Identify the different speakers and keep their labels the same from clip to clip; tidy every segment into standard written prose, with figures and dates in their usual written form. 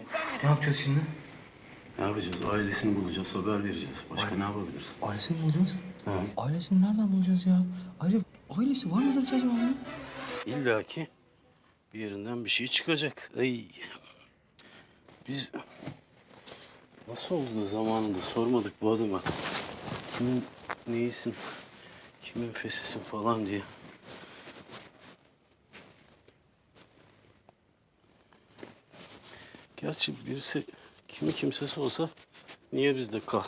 Speaker 1: Ne yapacağız şimdi?
Speaker 2: Ne yapacağız? Ailesini bulacağız, haber vereceğiz. Başka ne yapabiliriz?
Speaker 1: Ailesini mi bulacağız?
Speaker 2: Ha.
Speaker 1: Ailesini nereden bulacağız ya? Ayrıca ailesi var mıdır ki acaba onun?
Speaker 2: İlla ki bir yerinden bir şey çıkacak. Ay. Biz nasıl oldu da zamanında sormadık bu adama. Kimin neyisin, kimin fesisin falan diye. Gerçi birisi kimi kimsesi olsa niye bizde kal?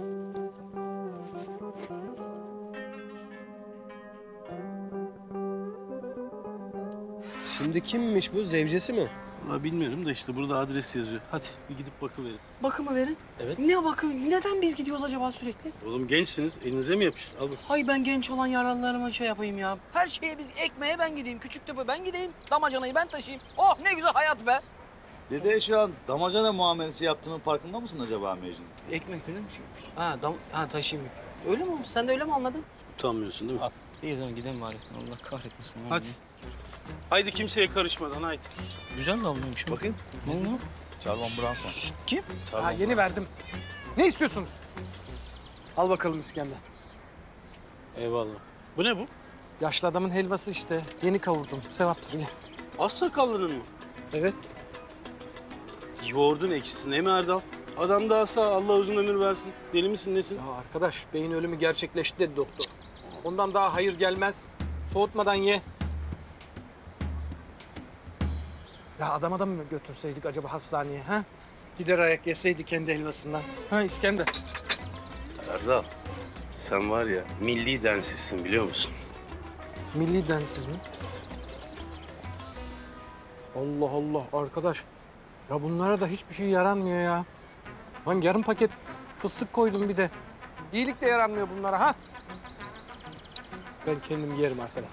Speaker 3: Şimdi kimmiş bu? Zevcesi mi?
Speaker 2: Vallahi bilmiyorum da işte burada adres yazıyor. Hadi bir gidip bakıverin.
Speaker 4: Bakımı verin.
Speaker 2: Evet.
Speaker 4: Ne bakım? Neden biz gidiyoruz acaba sürekli?
Speaker 2: Oğlum gençsiniz, elinize mi yapışır? Al bak.
Speaker 4: Hay ben genç olan yaralılarıma şey yapayım ya. Her şeye biz ekmeğe ben gideyim, küçük töpe ben gideyim, damacanayı ben taşıyayım. Oh ne güzel hayat be.
Speaker 5: Dede şu an damacana muamelesi yaptığının farkında mısın acaba Mecnun?
Speaker 4: Ekmek değil mi? Taşıyayım. Öyle mi olmuş? Sen de öyle mi anladın?
Speaker 2: Utanmıyorsun değil mi?
Speaker 4: İyi o zaman gidelim bari. Allah kahretmesin.
Speaker 2: Hadi. Haydi kimseye karışmadan haydi.
Speaker 4: Güzel de avluymuş.
Speaker 3: Bakayım.
Speaker 4: Ne oldu?
Speaker 5: Charlon Bronson.
Speaker 4: Kim?
Speaker 6: Ha, yeni verdim. Ne istiyorsunuz? Al bakalım İskender.
Speaker 2: Eyvallah. Bu ne bu?
Speaker 6: Yaşlı adamın helvası işte. Yeni kavurdum. Sevaptır gel.
Speaker 2: Az sakallının mı?
Speaker 6: Evet.
Speaker 2: Yoğurdun ekşisin değil mi Erdal? Adam daha sağ, Allah uzun ömür versin. Deli misin nesin?
Speaker 6: Ya arkadaş beyin ölümü gerçekleşti dedi doktor. Ondan daha hayır gelmez. Soğutmadan ye. Ya adama mı götürseydik acaba hastaneye ha? Gider ayak yeseydi kendi helvasından. Ha İskender.
Speaker 2: Erdal, sen var ya milli densizsin biliyor musun?
Speaker 6: Milli densiz mi? Allah Allah arkadaş. Ya bunlara da hiçbir şey yaranmıyor ya. Lan yarım paket fıstık koydum bir de. İyilik de yaranmıyor bunlara ha. Ben kendim yerim arkadaş.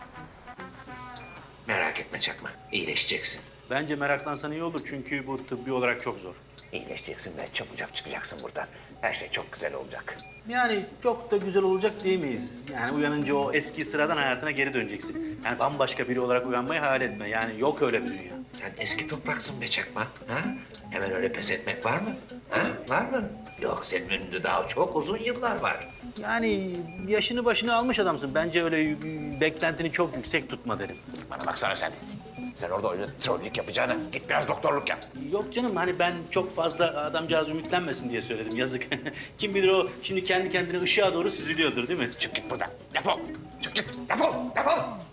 Speaker 7: Merak etme Çakma, iyileşeceksin.
Speaker 8: Bence meraklansan iyi olur çünkü bu tıbbi olarak çok zor.
Speaker 7: İyileşeceksin ve çabucak çıkacaksın buradan. Her şey çok güzel olacak.
Speaker 8: Yani çok da güzel olacak diyemeyiz. Yani uyanınca o eski sıradan hayatına geri döneceksin. Yani bambaşka biri olarak uyanmayı hayal etme. Yani yok öyle bir dünya.
Speaker 7: Sen eski topraksın be Çakma. Ha? Hemen öyle pes etmek var mı? Ha? Var mı? Yok, senin önünde daha çok uzun yıllar var.
Speaker 8: Yani yaşını başını almış adamsın. Bence öyle beklentini çok yüksek tutma derim.
Speaker 7: Bana baksana sen. Sen orada öyle trollük yapacağına git biraz doktorluk yap.
Speaker 8: Yok canım hani ben çok fazla adamcağız ümitlenmesin diye söyledim yazık. Kim bilir o şimdi kendi kendine ışığa doğru süzülüyordur değil mi?
Speaker 7: Çık git buradan. Defol. Çık git. Defol. Defol.